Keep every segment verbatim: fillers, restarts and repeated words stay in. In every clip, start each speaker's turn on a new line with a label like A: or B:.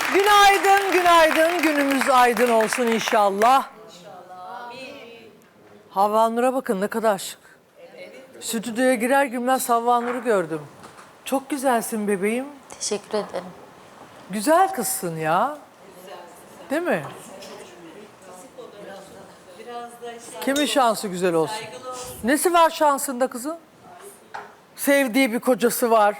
A: Günaydın, günaydın. Günümüz aydın olsun inşallah. İnşallah. Amin. Havva Nur'a bakın ne kadar şık. Evet. Stüdyoya girer girmez Havva Nur'u gördüm. Çok güzelsin bebeğim.
B: Teşekkür ederim.
A: Güzel kızsın ya. Değil mi? Kimin şansı güzel olsun? Nesi var şansında kızın? Sevdiği bir kocası var.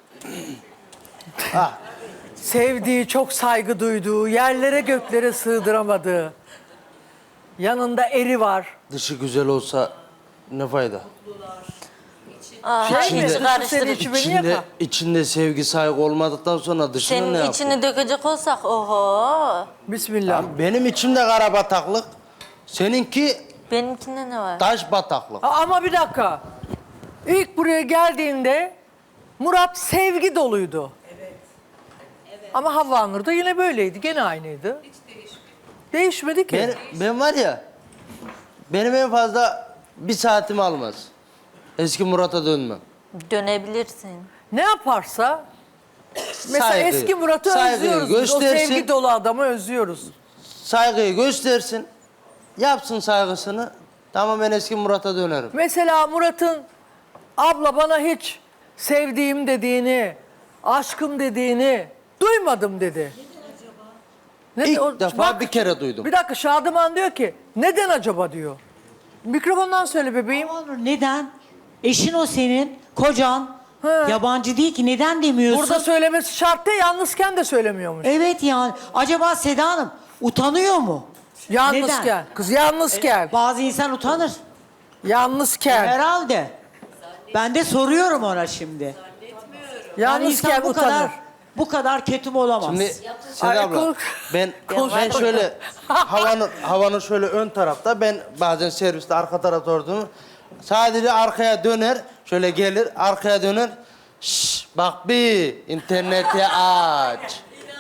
A: Sevdiği, çok saygı duyduğu, yerlere göklere sığdıramadığı. Yanında eri var.
C: Dışı güzel olsa ne fayda?
B: Aa,
A: Şey mi?
B: hiç
A: Dışı
B: karıştırın.
A: seni içi beni
C: İçinde,
A: yakar.
C: içinde sevgi, saygı olmadıktan sonra dışını
B: Senin
C: ne yapıyor?
B: içini dökecek olsak oho.
A: Bismillah.
C: Benim içimde kara bataklık, seninki
B: Benimkinde ne var?
C: taş bataklık.
A: Aa, ama bir dakika. İlk buraya geldiğinde Murat sevgi doluydu. Evet. Ama Havva Nur da yine böyleydi. Gene aynıydı. Hiç değişmedi. Değişmedi ki.
C: Ben, ben var ya, benim en fazla bir saatimi almaz. Eski Murat'a dönmem.
B: Dönebilirsin.
A: Ne yaparsa mesela
C: Saygı,
A: eski Murat'ı
C: saygıyı
A: özlüyoruz. Biz. O
C: göstersin.
A: sevgi dolu adamı özlüyoruz.
C: Saygıyı göstersin, yapsın saygısını. Tamam, ben eski Murat'a dönerim.
A: Mesela Murat'ın abla bana hiç sevdiğim dediğini, aşkım dediğini duymadım dedi. Ne
C: İlk
A: o-
C: defa
A: bak,
C: bir kere duydum.
A: Bir dakika Şadıman diyor ki neden acaba diyor. Mikrofondan söyle bebeğim.
D: Onur, neden? Eşin o senin, kocan.
A: He.
D: Yabancı değil ki, neden demiyorsun?
A: Burada söylemesi şart değil, yalnızken de söylemiyormuş.
D: Evet yani. Acaba Seda Hanım utanıyor mu?
A: Yalnızken.
D: Neden?
A: Kız yalnızken.
D: Bazı insan utanır.
A: Yalnızken.
D: Herhalde. Ben de soruyorum ona şimdi. Yani
A: Yalnızken
D: insan bu
A: utanır.
D: kadar bu kadar ketum olamaz.
C: Şimdi Seda
A: Ay,
C: abla,
A: konu-
C: ben, ben şöyle havanın, havanın şöyle ön tarafta, ben bazen serviste arka tarafta olduğumu, sadece arkaya döner, şöyle gelir, arkaya döner. Şşş, bak bir, interneti aç.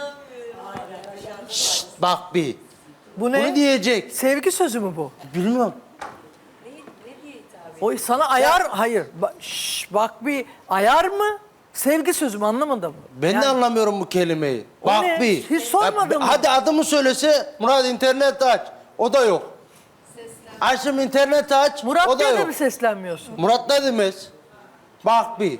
C: Şşş, bak bir.
A: Bu ne?
C: Bunu diyecek.
A: Sevgi sözü mü bu?
C: Bilmiyorum.
A: O sana ayar, hayır. Ba- şş, bak bir ayar mı? Sevgi sözü mü anlamadım.
C: Ben
A: Yani-
C: de anlamıyorum bu kelimeyi.
A: O
C: Bak
A: ne?
C: bir.
A: Hiç sormadın
C: Ya,
A: mı?
C: Hadi adımı söylese, Murat internet aç. O da yok. Ayşem internet aç.
A: Murat
C: o da
A: diye de
C: yok.
A: mi seslenmiyorsun?
C: Murat ne demez? Bak bir.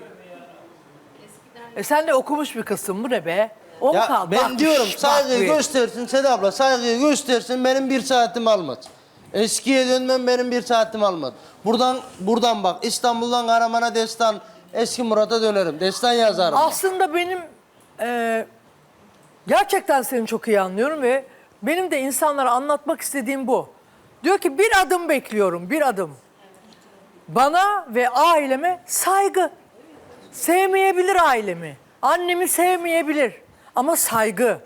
A: E sen de okumuş bir kızsın, bu ne be? O mu
C: Ya
A: kaldı?
C: ben
A: Bak,
C: diyorum
A: şş, bak
C: saygıyı
A: bir.
C: göstersin Seda abla, saygıyı göstersin, benim bir saatimi almaz. Eskiye dönmem benim bir saatimi almaz. Buradan buradan bak, İstanbul'dan Karaman'a destan, eski Murat'a dönerim. Destan yazarım.
A: Aslında benim e, gerçekten seni çok iyi anlıyorum ve benim de insanlara anlatmak istediğim bu. Diyor ki bir adım bekliyorum, bir adım. Bana ve aileme saygı. Sevmeyebilir ailemi. Annemi sevmeyebilir. Ama saygı.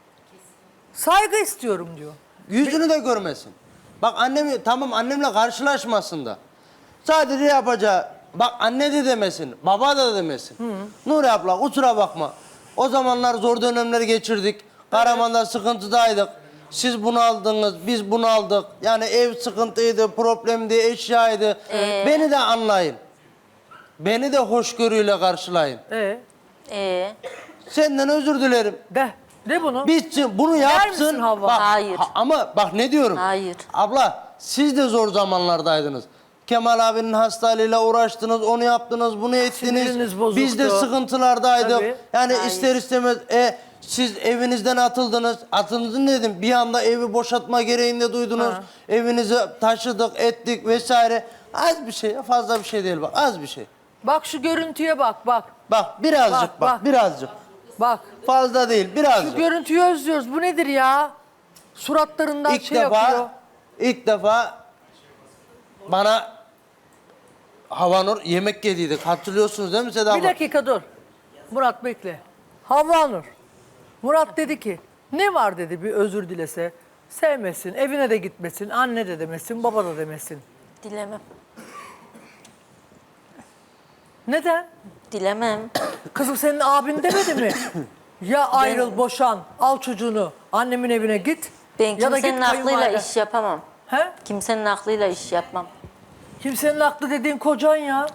A: Saygı istiyorum diyor.
C: Yüzünü de görmesin. Bak annemi, tamam annemle karşılaşmasın da. Sadece yapacağı, bak anne de demesin, baba da demesin. Nuri abla kusura bakma. O zamanlar zor dönemler geçirdik. Karaman'da sıkıntıdaydık. Siz bunu aldınız, biz bunu aldık. Yani ev sıkıntıydı, problemdi, eşyaydı.
B: Ee?
C: Beni de anlayın. Beni de hoşgörüyle karşılayın.
A: Ee,
B: Ee,
C: Senden özür dilerim.
A: de, de bunu.
C: Bitsin, bunu
A: Der
C: yapsın.
A: misin Havva?
C: Bak,
B: Hayır.
C: ha- ama bak ne diyorum?
B: Hayır.
C: Abla siz de zor zamanlardaydınız. Kemal abinin hastalığıyla uğraştınız, onu yaptınız, bunu ettiniz.
A: Siniriniz bozuktu.
C: Biz de sıkıntılardaydık.
A: Tabii.
C: Yani
B: Hayır.
C: ister istemez e, siz evinizden atıldınız. Atıldın dedim. Bir anda evi boşaltma gereğinde duydunuz.
A: Ha.
C: Evinizi taşıdık, ettik vesaire. Az bir şey, fazla bir şey değil bak. Az bir şey.
A: Bak şu görüntüye bak, bak.
C: Bak birazcık
A: Bak,
C: bak,
A: bak.
C: birazcık.
A: Bak.
C: Fazla değil,
A: Şu
C: birazcık.
A: görüntüyü özlüyoruz. Bu nedir ya? Suratlarından
C: İlk
A: şey
C: defa,
A: akıyor.
C: ilk defa bana Havanur yemek yediydik. Hatırlıyorsunuz değil mi Seda abla?
A: Bir dakika dur. Murat bekle. Havva Nur. Murat dedi ki ne var dedi bir özür dilese. Sevmesin, evine de gitmesin, anne de demesin, baba da demesin.
B: dilemem.
A: Neden?
B: Dilemem.
A: Kızım senin abin demedi mi? Ya ayrıl, boşan, al çocuğunu, annemin evine git.
B: Ben
A: ya da
B: kimsenin
A: git
B: aklıyla
A: kayınvalide.
B: iş yapamam.
A: He?
B: Kimsenin aklıyla iş yapmam.
A: Kimsenin aklı dediğin kocan ya.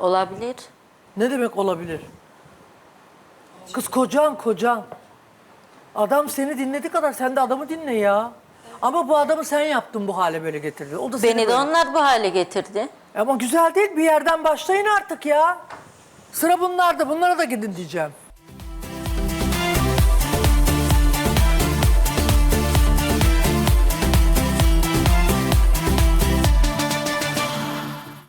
A: Adam seni dinlediği kadar sen de adamı dinle ya. Ama bu adamı sen yaptın bu hale böyle getirdin. O da seni
B: Beni de
A: böyle-
B: onlar bu hale getirdi.
A: Ama güzel değil, bir yerden başlayın artık ya. Sıra bunlarda, bunlara da gidin diyeceğim.